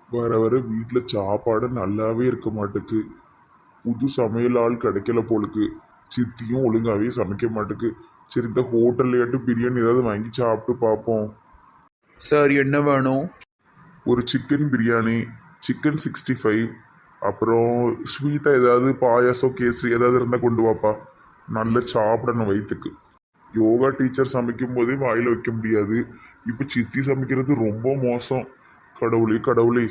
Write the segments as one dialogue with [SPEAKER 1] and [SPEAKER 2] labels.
[SPEAKER 1] வர வர வீட்டில் சாப்பாடு நல்லாவே இருக்க மாட்டுக்கு. புது சமையல் ஆள் கிடைக்கல போலுக்கு. சித்தியும் ஒழுங்காவே சமைக்க மாட்டுக்கு. சரி, இந்த ஹோட்டல்லையாட்டு பிரியாணி ஏதாவது வாங்கி சாப்பிட்டு பார்ப்போம்.
[SPEAKER 2] சார் என்ன வேணும்?
[SPEAKER 1] ஒரு சிக்கன் பிரியாணி, சிக்கன் 65, அப்புறம் ஸ்வீட்டாக ஏதாவது பாயாசம் கேசரி ஏதாவது இருந்தால் கொண்டு வாப்பா. நல்லா சாப்பிடணும் வயிற்றுக்கு. யோகா டீச்சர் சமைக்கும் போதே வாயில் வைக்க முடியாது. இப்போ சித்தி சமைக்கிறது ரொம்ப மோசம். கடவுளே கடவுளே.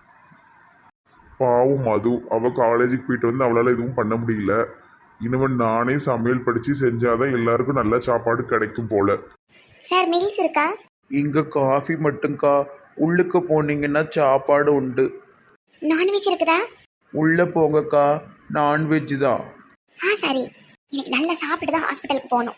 [SPEAKER 1] பாவம் மது, அவள் காலேஜுக்கு போயிட்டு வந்து அவளால் எதுவும் பண்ண முடியல. இனிமேல் நானே சமையல் படித்து செஞ்சாதான் எல்லாருக்கும் நல்ல சாப்பாடு கிடைக்கும் போல.
[SPEAKER 3] சார் மீல்ஸ் இருக்கா?
[SPEAKER 2] இங்கே காஃபி மட்டும்க்கா. உள்ளுக்கு போனீங்கன்னா சாப்பாடு உண்டு.
[SPEAKER 3] நான்வெஜ் இருக்குதா?
[SPEAKER 2] உள்ளே போங்கக்கா, நான்வெஜ் தான்.
[SPEAKER 3] சரி. எனக்கு நல்லா சாப்பிட்டு தான் ஹாஸ்பிட்டலுக்கு போகணும்.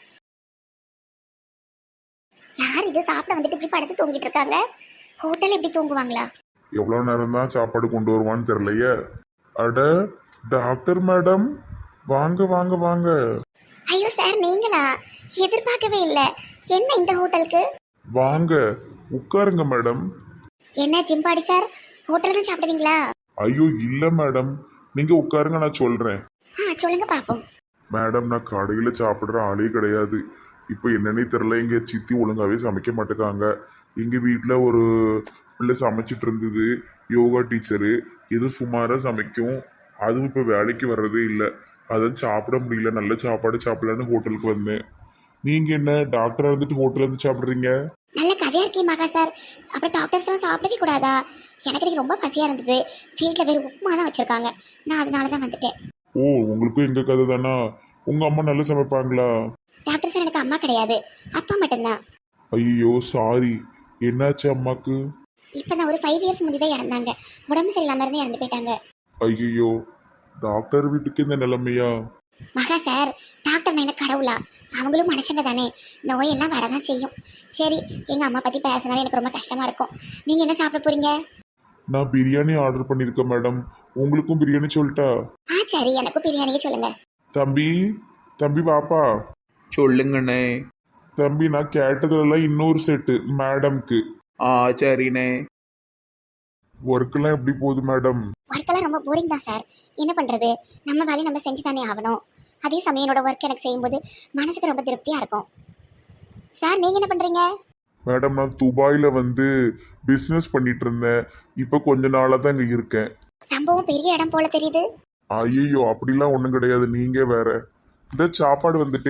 [SPEAKER 3] யார் இது சாப்பிட வந்துட்டு இப்படி படுத்து தூங்கிட்டு இருக்காங்க? ஹோட்டல் எப்படி தூங்குவாங்களா?
[SPEAKER 1] எவ்வளோ நேரம் தான் சாப்பாடு கொண்டு வருவான்னு தெரியலையே. அட, டாக்டர் மேடம், வாங்க வாங்க வாங்க.
[SPEAKER 3] ஐயோ சார், நீங்களா? எதிர்பார்க்கவே இல்லை. என்ன இந்த ஹோட்டலுக்கு?
[SPEAKER 1] வாங்க உட்காருங்க மேடம்.
[SPEAKER 3] என்ன ஜிம்பாடி சார், ஹோட்டல் தான் சாப்பிடுவீங்களா?
[SPEAKER 1] ஐயோ இல்லை மேடம், நீங்கள் உட்காருங்க, நான் சொல்கிறேன்.
[SPEAKER 3] சொல்லுங்க பாப்போம்.
[SPEAKER 1] மேடம், நான் கடையில் சாப்பிட்ற ஆளே கிடையாது. இப்போ என்னன்னே தெரில, இங்கே சித்தி ஒழுங்காகவே சமைக்க மாட்டேக்காங்க. எங்கள் வீட்டில் ஒரு பிள்ளை சமைச்சிட்டு இருந்தது, யோகா டீச்சரு. எதுவும் சுமாராக சமைக்கும். அதுவும் இப்போ வேலைக்கு வர்றதே இல்லை. அதான் சாப்பிட முடியல. நல்ல சாப்பாடு சாப்பிடலான்னு ஹோட்டலுக்கு வந்தேன். நீங்கள் என்ன டாக்டராக இருந்துட்டு ஹோட்டலில் இருந்து சாப்பிட்றீங்க?
[SPEAKER 3] நல்ல கதையா இருக்கே மகா சார். அப்புறம் டாக்டர்ஸ்லாம் சாப்பிடவே கூடாதா? எனக்கு ரொம்ப பசியாக இருந்தது. வீட்டில் வேறு உப்புமா தான் வச்சுருக்காங்க. நான் அதனால தான் வந்துட்டேன்.
[SPEAKER 1] ஓ, உங்களுக்கும் எங்கள் கதை தானா? உங்கள் அம்மா நல்லா சமைப்பாங்களா?
[SPEAKER 3] டாக்டர் சார் எனக்கு அம்மா கிடையாது, அப்பா மட்டும்தான்.
[SPEAKER 1] ஐயோ சாரி, என்னாச்சு அம்மாக்கு?
[SPEAKER 3] இப்போ தான் ஒரு 5 இயர்ஸ் முன்னாடி தான் இறந்தாங்க. உடம்பு சரியில்லாம இருந்து இறந்து போயிட்டாங்க.
[SPEAKER 1] ஐயோ, டாக்டர் வீட்டுக்கு இந்த நிலைமையா?
[SPEAKER 3] மகா சார், டாக்டர் என்ன கடவுளா? அவங்களும் மனுஷங்க தானே, நோயெல்லாம் வரதான் செய்யும். சரி, எங்கள் அம்மா பற்றி பேசினாலும் எனக்கு ரொம்ப கஷ்டமாக இருக்கும். நீங்கள் என்ன சாப்பிட போகிறீங்க?
[SPEAKER 1] நான் பிரியாணி ஆர்டர் பண்ணியிருக்கேன் மேடம். உங்களுக்கும் பிரியாணி சொல்லட்டா?
[SPEAKER 3] சரி, எனக்கும் பிரியாணிக்கு சொல்லுங்க.
[SPEAKER 1] தம்பி, தம்பி வாப்பா.
[SPEAKER 2] சொல்லுங்கண்ணே.
[SPEAKER 1] தம்பி, நான் கேட்டதுலாம் இன்னொரு செட்டு மேடம்க்கு.
[SPEAKER 2] சரிண்ணே.
[SPEAKER 1] ஒர்க்கெல்லாம் எப்படி போகுது மேடம்?
[SPEAKER 3] ஒர்க்கெல்லாம் ரொம்ப போரிங் தான் சார். என்ன பண்ணுறது, நம்ம வேலையை நம்ம செஞ்சு தானே ஆகணும். அதே சமயம் என்னோட ஒர்க் எனக்கு செய்யும்போது மனசுக்கு ரொம்ப திருப்தியாக இருக்கும். சார், நீங்கள் என்ன பண்ணுறீங்க?
[SPEAKER 1] மேடம், நான் துபாயில் வந்து பிஸ்னஸ் பண்ணிட்டு இருந்தேன். இப்போ கொஞ்ச நாளாக தான் இங்கே இருக்கேன்.
[SPEAKER 3] சம்பவம் பெரிய இடம் போல தெரியுது.
[SPEAKER 1] ஐயோ, அப்படிலாம் ஒன்றும் கிடையாது. நீங்கள் வேற. இந்த சாப்பாடு வந்துட்டு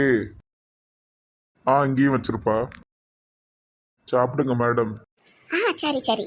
[SPEAKER 1] இங்கேயும் வச்சிருப்பா. சாப்பிடுங்க மேடம்.
[SPEAKER 3] சரி சரி.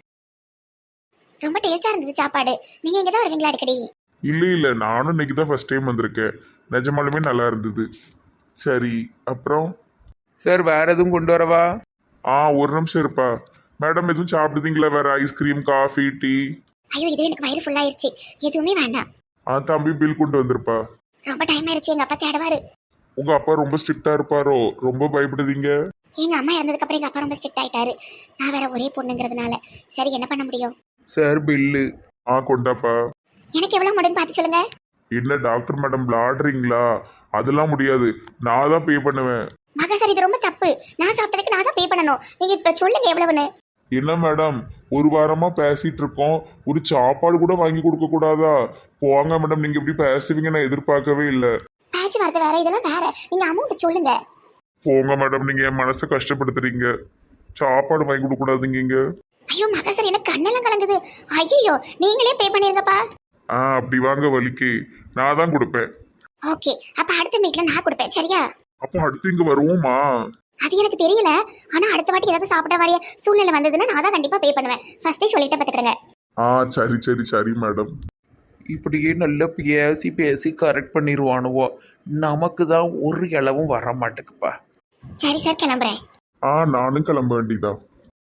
[SPEAKER 3] ரொம்ப டேஸ்டாக இருந்தது சாப்பாடு. நீங்கள் இங்கே தான் வருவீங்களா அடிக்கடி?
[SPEAKER 1] இல்லை இல்லை, நானும் இன்னைக்கு தான் ஃபர்ஸ்ட் டைம் வந்திருக்கேன். நிஜமாலுமே நல்லா இருந்தது. சரி, அப்புறம்
[SPEAKER 2] சார் வேற எதுவும் கொண்டு வரவா?
[SPEAKER 1] ஒரு நிமிஷம் இருப்பா. மேடம், எதுவும் சாப்பிடுதீங்களா? வேற ஐஸ்கிரீம், காஃபி, டீ?
[SPEAKER 3] ஐயோ, இதுவே எனக்கு வயிறு ஃபுல்லாயிருச்சு. எதுவுமே வேண்டாம்.
[SPEAKER 1] தம்பி பில் கொண்டு வந்திருப்பா.
[SPEAKER 3] ரொம்ப டைம் ஆயிடுச்சு, எங்கள் அப்பா தேடுவாரு.
[SPEAKER 1] உங்க அப்பா ரொம்ப ஸ்ட்ரிக்டா இருப்பாரோ? ரொம்ப பயப்படுதீங்க?
[SPEAKER 3] எங்கள் அம்மா இறந்ததுக்கு அப்புறம் எங்கள் அப்பா ரொம்ப ஸ்ட்ரிக்ட் ஆயிட்டாரு. நான் வேற ஒரே பொண்ணுங்கிறதுனால. சரி, என்ன பண்ண முடியும்?
[SPEAKER 2] Sir bill.
[SPEAKER 1] கொண்டாப்பா.
[SPEAKER 3] எனக்கு எவ்வளோ முடியும்னு பார்த்து சொல்லுங்க.
[SPEAKER 1] என்ன டாக்டர் மேடம் விளாடுறீங்களா? அதெல்லாம் முடியாது. நான் தான் பே பண்ணுவேன்.
[SPEAKER 3] மகா சார், இது ரொம்ப தப்பு. நான் சாப்பிட்டதுக்கு நான் தான் பே பண்ணணும். நீங்கள் இப்போ சொல்லுங்க எவ்வளவுன்னு.
[SPEAKER 1] என்ன மேடம், ஒரு வாரமா பேசிட்டு இருக்கோம். ஒரு சாப்பாடு கூட வாங்கி கொடுக்க கூடாதா? போங்க மேடம், நீங்க இப்படி பேசுவீங்க நான் எதிர்பார்க்கவே இல்லை.
[SPEAKER 3] பேச்சு வார்த்தை வேற, இதெல்லாம் வேற. நீங்கள் அமௌண்ட் சொல்லுங்க.
[SPEAKER 1] போங்க மேடம், நீங்க என் மனசை கஷ்டப்படுத்துறீங்க. சாப்பாடு வாங்கி கொடுக்க கூடாதுங்க இங்க.
[SPEAKER 3] ஐயோ மகா சார், எனக்கு கண்ணெல்லாம் கலங்குது. ஐயோ, நீங்களே பே பண்ணிருங்கப்பா.
[SPEAKER 1] அப்படி வாங்க வலிக்கு. நான் தான் கொடுப்பேன்.
[SPEAKER 3] ஓகே, அப்ப அடுத்த மீட்ல நான் கொடுப்பேன், சரியா?
[SPEAKER 1] அப்போ அடுத்து இங்க வருவோமா?
[SPEAKER 3] அது எனக்கு தெரியல. ஆனா அடுத்த வாட்டி ஏதாவது சாப்பிட வரைய சூழ்நிலை வந்ததுன்னா நான் தான் கண்டிப்பா பே பண்ணுவேன். ஃபர்ஸ்டே சொல்லிட்டு பார்த்துக்கிடுங்க.
[SPEAKER 1] சரி சரி சரி மேடம்.
[SPEAKER 2] இப்படியே நல்லா பேசி பேசி கரெக்ட் பண்ணிடுவானுவோ. நமக்கு தான் ஒரு இளவும் வர மாட்டேக்குப்பா.
[SPEAKER 3] சரி சார், கிளம்புறேன்.
[SPEAKER 1] நானும் கிளம்ப வேண்டியதா.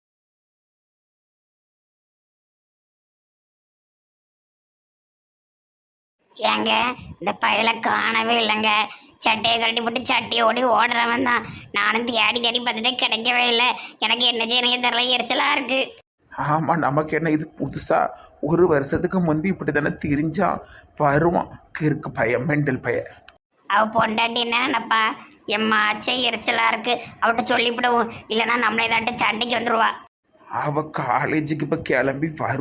[SPEAKER 4] ஏங்க, இந்த பயலை காணவே இல்லைங்க. சட்டையை கட்டி போட்டு சட்டியை ஓடி ஓடுறவன் தான். நானும் தேடி தேடி பார்த்துட்டு கிடைக்கவே இல்லை. எனக்கு என்ன செய்யணும் தெரியல, எரிச்சலாக இருக்கு.
[SPEAKER 2] ஆமாம், நமக்கு என்ன இது புதுசா? ஒரு வருஷத்துக்கு முந்தி இப்படி தானே திரிஞ்சான். வருவான் கிறுக்கு பையன், மெண்டல் பையன்.
[SPEAKER 4] அவ பொண்டாட்டி என்னப்பா, எம்மாச்சே எரிச்சலாக இருக்கு. அவட்ட சொல்லிவிடுவோம், இல்லைன்னா நம்மளே ஏதாட்டு சண்டைக்கு வந்துடுவா.
[SPEAKER 2] அவ காலேஜுக்கு இப்போ கிளம்பி வருவா.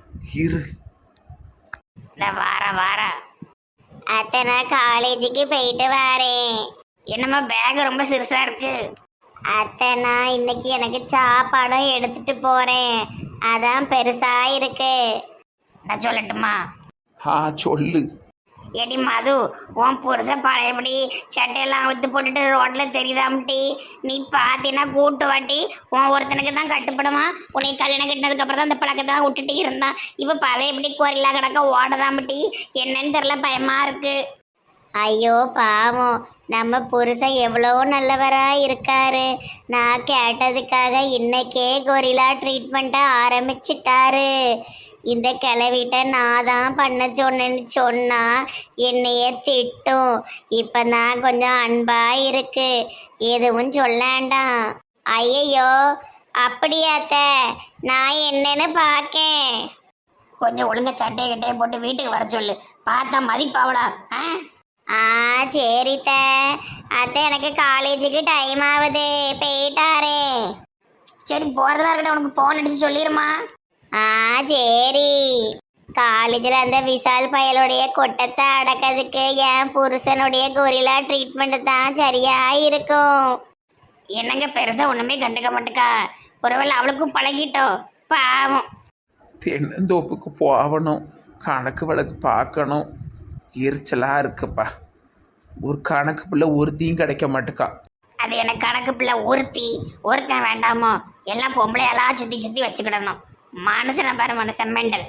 [SPEAKER 2] இரு.
[SPEAKER 4] இந்த வார
[SPEAKER 3] அத்தை நான் காலேஜுக்கு போயிட்டு வரேன்.
[SPEAKER 4] என்னம்மா பேக் ரொம்ப சிறுசா இருக்கு.
[SPEAKER 3] அத்தை நான் இன்னைக்கு எனக்கு சாப்பாடும் எடுத்துட்டு போறேன், அதான் பெருசா இருக்கு.
[SPEAKER 4] நான் சொல்லட்டுமா?
[SPEAKER 2] சொல்லு.
[SPEAKER 4] ஏடி மது, உன் புருஷன் பழையபடி சட்டையெல்லாம் அவுத்து போட்டுட்டு ரோட்ல தெரியுதாம்ட்டி. நீ பார்த்தீங்கன்னா கூட்டு வாட்டி உன் ஒருத்தனுக்கு தான் கட்டுப்படுமா. உன்னை கல்யாணம் கட்டினதுக்கு அப்புறம் தான் அந்த பழக்கத்தை விட்டுட்டு இருந்தான். இப்போ பழையபடி கோரிலா கிடக்க ஓடதாம்ட்டி. என்னன்னு தெரியல, பயமா இருக்கு.
[SPEAKER 3] ஐயோ பாவம், நம்ம புருஷன் எவ்வளோ நல்லவரா இருக்காரு. நான் கேட்டதுக்காக இன்னைக்கே கொரிலா ட்ரீட்மெண்ட்டை ஆரம்பிச்சிட்டாரு. இந்த கிளவிட்ட நான் தான் பண்ண சொன்னேன்னு சொன்னா என்னைய திட்டும். இப்போ நான் கொஞ்சம் அன்பா இருக்கு, எதுவும் சொல்லாண்டாம். ஐயையோ அப்படியாத்த, நான் என்னன்னு பார்க்கேன்.
[SPEAKER 4] கொஞ்சம் ஒழுங்கா சட்டையை கிட்டையை போட்டு வீட்டுக்கு வர சொல்லு, பார்த்தா மதிப்பாவடா.
[SPEAKER 3] சரித்த. அத்தை எனக்கு காலேஜுக்கு டைம் ஆகுது, போயிட்டாரே.
[SPEAKER 4] சரி போறதா இருக்கட்டும், உனக்கு போன் அடிச்சு சொல்லிருமா.
[SPEAKER 3] சரி. காலேஜில் அந்த விசால் பயலுடைய கொட்டத்தை அடக்கிறதுக்கு என் புருஷனுடைய கொரிலா ட்ரீட்மெண்ட் தான் சரியா இருக்கும்.
[SPEAKER 4] என்னங்க பெருசா ஒண்ணுமே கண்டுக்க மாட்டேக்கா. ஒருவேளை அவளுக்கும் பழகிட்டோம், பாவம்.
[SPEAKER 2] தென்னந்தோப்புக்கு போகணும், கணக்கு வழக்கு பார்க்கணும். எரிச்சலாக இருக்குப்பா. ஒரு கணக்கு பிள்ளை ஒருத்தையும் கிடைக்க மாட்டுக்கா.
[SPEAKER 4] அது எனக்கு கணக்கு பிள்ளை ஒருத்தன் வேண்டாமோ? எல்லாம் பொம்பளையெல்லாம் சுத்தி சுத்தி வச்சுக்கிடணும். மனுஷனை பாரு, மனுஷன் மெண்டல்.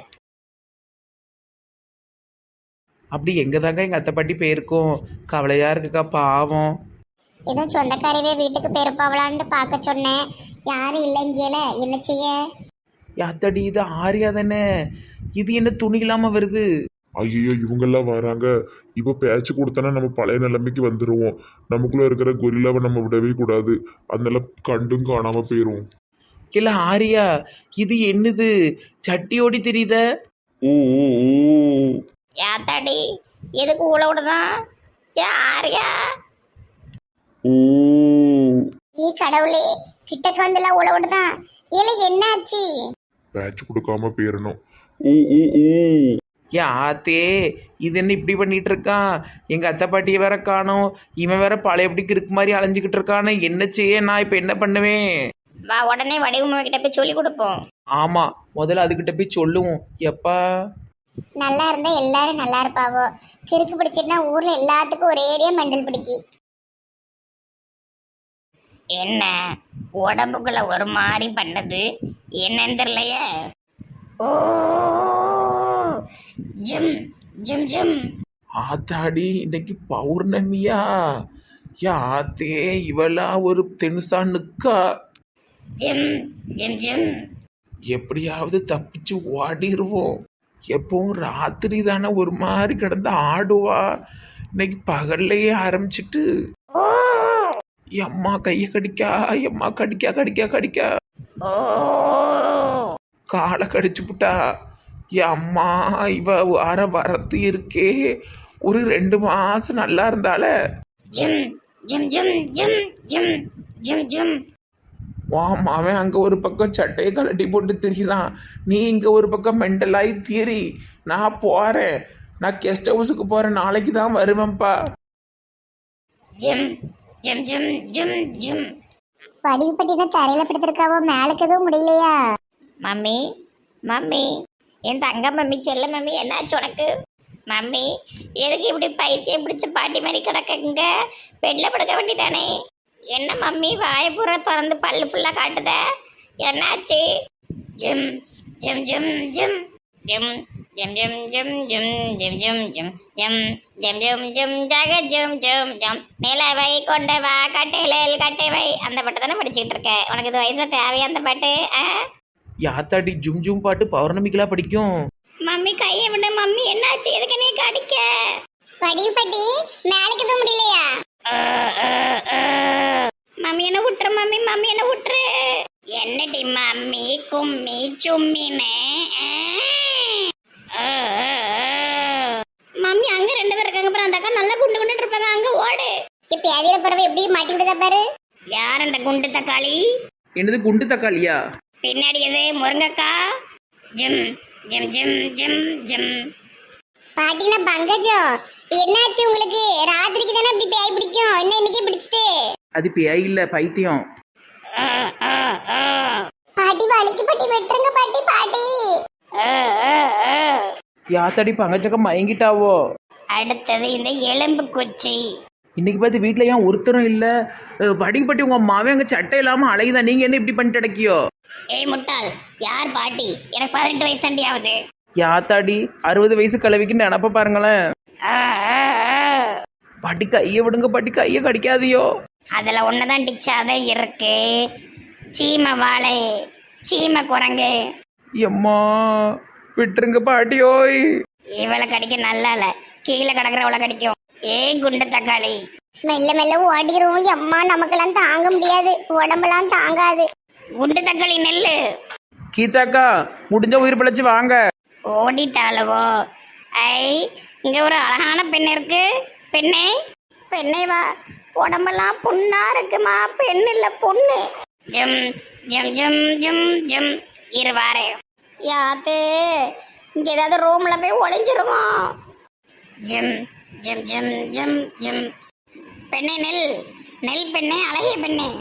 [SPEAKER 2] அப்படி எங்கே தாங்க எங்கள் அத்தை பாட்டி போயிருக்கோம்? கவலையாக இருக்குக்கா, பாவம்.
[SPEAKER 3] ஏதோ சொந்தக்காரவே வீட்டுக்கு பெருப்பாவலான்னு பார்க்க சொன்னேன், யாரும் இல்லைங்கல, என்ன செய்ய?
[SPEAKER 2] அத்தடி இது ஆரியா தானே? இது என்ன துணி இல்லாமல் வருது?
[SPEAKER 1] ஐயோ இவங்கெல்லாம் வராங்க. இப்போ பேச்சு கொடுத்தோன்னா நம்ம பழைய நிலைமைக்கு வந்துடுவோம். நமக்குள்ளே இருக்கிற கொரில்லாவை நம்ம விடவே கூடாது, அதனால கண்டும் காணாமல் போயிடுவோம்.
[SPEAKER 2] இல்லை ஆரியா, இது என்னது சட்டியோடி தெரியுத?
[SPEAKER 1] ஓ ஓ ஓ
[SPEAKER 4] யாத்தாடி, எதுக்கு ஊழ விடுதான்? யாரையா?
[SPEAKER 1] ஓ
[SPEAKER 3] கடவுளே, கிட்டக்கு வந்துலாம் உழவுடுதான். ஏல என்னாச்சு?
[SPEAKER 1] பேச்சு கொடுக்காம போயிடணும். ஓ ஓ ஓ
[SPEAKER 2] ஆத்தே, இது என்ன இப்படி பண்ணிட்டு இருக்கான்? எங்கள் அத்தை பாட்டியை வேற காணோம், இவன் வேற பழையபடிக்கு இருக்கு மாதிரி அலைஞ்சிக்கிட்டு இருக்கானே. என்ன செய்ய? நான் இப்போ என்ன பண்ணுவேன்?
[SPEAKER 4] வா, உடனே வடிவம்மா கிட்ட போய் சொல்லி கொடுப்போம்.
[SPEAKER 2] ஆமாம், முதல்ல அதுக்கிட்ட போய் சொல்லுவோம். எப்பா
[SPEAKER 3] நல்லா இருந்தா எல்லாரும் நல்லா இருப்பாவோ. கிறுக்கு பிடிச்சிட்டுனா ஊர்ல எல்லாத்துக்கும் ஒரேடியா மெண்டல் பிடிக்கி.
[SPEAKER 4] என்ன உடம்புக்குள்ள ஒரு மாதிரி பண்ணது, என்னன்னு தெரியலையே. ஓ ஜிம் ஜிம் ஜிம்.
[SPEAKER 2] ஆத்தாடி, இன்னைக்கு பௌர்ணமியா? ஆத்தே, இவளா ஒரு தெனுசான்னுக்கா.
[SPEAKER 4] ஜிம் ஜிம் ஜிம்.
[SPEAKER 2] எப்படியாவது தப்பிச்சு ஓடிடுவோம். எப்பவும் ராத்திரி தானே ஒரு மாதிரி கிடந்து ஆடுவா, இன்னைக்கு பகல்லையே ஆரம்பிச்சிட்டு. எம்மா கையை கடிக்கா, எம்மா கடிக்கா கடிக்கா கடிக்கா.
[SPEAKER 4] ஓ
[SPEAKER 2] காலை கடிச்சு புட்டா. அம்மா, இவ வரத்து இருக்கே. ஒரு 2 மாசம் நல்லா இருந்தால.
[SPEAKER 4] ஜிம் ஜிம் ஜிம் ஜிம் ஜிம் ஜிம் ஜிம்.
[SPEAKER 2] அவன் அங்கே ஒரு பக்கம் சட்டையை கலட்டி போட்டு திரிகிறான், நீ இங்கே ஒரு பக்கம் மெண்டலாகி திரி. நான் போகிறேன், நான் கெஸ்ட் ஹவுஸுக்கு போகிறேன், நாளைக்கு தான் வருவேன்ப்பா.
[SPEAKER 4] ஜிம் ஜிம் ஜிம் ஜிம் ஜிம்.
[SPEAKER 3] படிவு பட்டினா தரையில படுத்திருக்காவோ, மேலுக்கு எதுவும் முடியலையா?
[SPEAKER 4] மம்மி மம்மி, என் தங்க மம்மி, செல்ல மம்மி, என்னாச்சு உனக்கு? மம்மி, எதுக்கு இப்படி பைத்தியம் பிடிச்ச பாட்டி மாதிரி கிடக்குங்க? பெட்டில் படுக்க வேண்டியதானே? என்ன மம்மி, வாய்ப்புற திறந்து பல்லு ஃபுல்லாக காட்டுத, என்னாச்சு? ஜிம் ஜிம் ஜிம் ஜிம் ஜிம் ஜிம் ஜிம் ஜிம் ஜிம் ஜிம் ஜிம் ஜிம் ஜிம் ஜிம் ஜிம் ஜக ஜிம் ஜிம் ஜம். நிலவை கொண்டு வா கட்டையில் கட்டைவை. அந்த பாட்டு தானே படிச்சுக்கிட்டு இருக்க? உனக்கு இது வயசுல தேவையா அந்த பாட்டு?
[SPEAKER 2] யாத்தாடி, ஜும் ஜும் பாட்டு பௌர்ணமிக்கெல்லாம் படிக்கும்.
[SPEAKER 4] மம்மி கையை விட. மம்மி என்னாச்சு? எதுக்கு நீ கடிக்க?
[SPEAKER 3] படிவு பட்டி மேலுக்கு எதுவும் முடியலையா?
[SPEAKER 4] மம்மி என்ன விட்டுரு மம்மி, மம்மி என்ன விட்டுரு. என்னடி மம்மி கும்மி சும்மின்னு? மம்மி அங்க 2 பேர் இருக்காங்க பாரு, அந்த அக்கா நல்லா குண்டு குண்டு இருப்பாங்க, அங்க ஓடு.
[SPEAKER 3] இப்ப அதில பறவை எப்படி மாட்டி விடுதா பாரு.
[SPEAKER 4] யார் அந்த குண்டு தக்காளி?
[SPEAKER 2] என்னது குண்டு தக்காளியா?
[SPEAKER 4] பின்னாடி எது முருங்கக்கா? ஜிம் ஜிம் ஜிம் ஜிம் ஜிம்.
[SPEAKER 3] பாட்டினா பங்கஜம், என்னாச்சு உங்களுக்கு? ராத்திரிக்கு தானே இப்படி பேய் பிடிக்கும், என்ன இன்னைக்கு பிடிச்சிட்டு?
[SPEAKER 2] அது பேய் இல்ல பைத்தியம்.
[SPEAKER 4] ஆ, ஆ, ஆ.
[SPEAKER 3] பாட்டி வலிக்கு பாட்டி, வெட்டுருங்க பாட்டி. பாட்டி
[SPEAKER 4] ஆ, ஆ, ஆ.
[SPEAKER 2] யாத்தாடி பங்கச்சக்கம் மயங்கிட்டாவோ?
[SPEAKER 4] அடுத்தது இந்த எலும்பு குச்சி.
[SPEAKER 2] இன்னைக்கு பார்த்து வீட்டில் ஏன் ஒருத்தரும் இல்லை? வடிப்பட்டி உங்கள் அம்மாவே அங்கே சட்டை இல்லாமல் அழகுதான். நீங்கள் என்ன இப்படி பண்ணிட்டு அடக்கியோ?
[SPEAKER 4] ஏய் முட்டாள், யார் பாட்டி? எனக்கு 18 வயசு தாண்டி ஆகுது.
[SPEAKER 2] யாத்தாடி 60 வயசு கிழவிக்கு நினப்ப பாருங்களேன்.
[SPEAKER 4] ஆ, ஆ, ஆ.
[SPEAKER 2] பாட்டி கையை விடுங்க பாட்டி, கையை கடிக்காதியோ.
[SPEAKER 4] அதில் ஒன்றுதான் டிச்சாவே இருக்கு. சீமை வாழை, சீமை குரங்கு.
[SPEAKER 2] எம்மா விட்டுருங்க பாட்டியோய்.
[SPEAKER 4] இவளை கடிக்க நல்லா இல்லை, கீழே கிடக்குறவளை கடிக்கும். ஏய் குண்டு தக்காளி.
[SPEAKER 3] மெல்ல மெல்ல ஓடிரும். அம்மா நமக்கெல்லாம் தாங்க முடியாது, உடம்பெல்லாம் தாங்காது.
[SPEAKER 4] குண்டு தக்காளி நெல்லு.
[SPEAKER 2] கீதாக்கா முடிஞ்ச உயிர் பிழைச்சி வாங்க.
[SPEAKER 4] ஓடிட்டாளவோ? ஐ, இங்க ஒரு அழகான பெண் இருக்கு. பெண்ணே, பெண்ணே வா. உடம்பெல்லாம் புண்ணா இருக்குமா? பெண் இல்ல பொண்ணு. ஜம் ஜம் ஜம் ஜம் ஜம். இரு வாரே. யாத்தே, இங்க ஏதாவது ரூம்ல போய் ஒளிஞ்சிருமா? ஜம் ஜம் ஜம் ஜம் ஜம். பெண்ணே நெல், நெல் பெண்ணே, அழகிய பெண்ணே.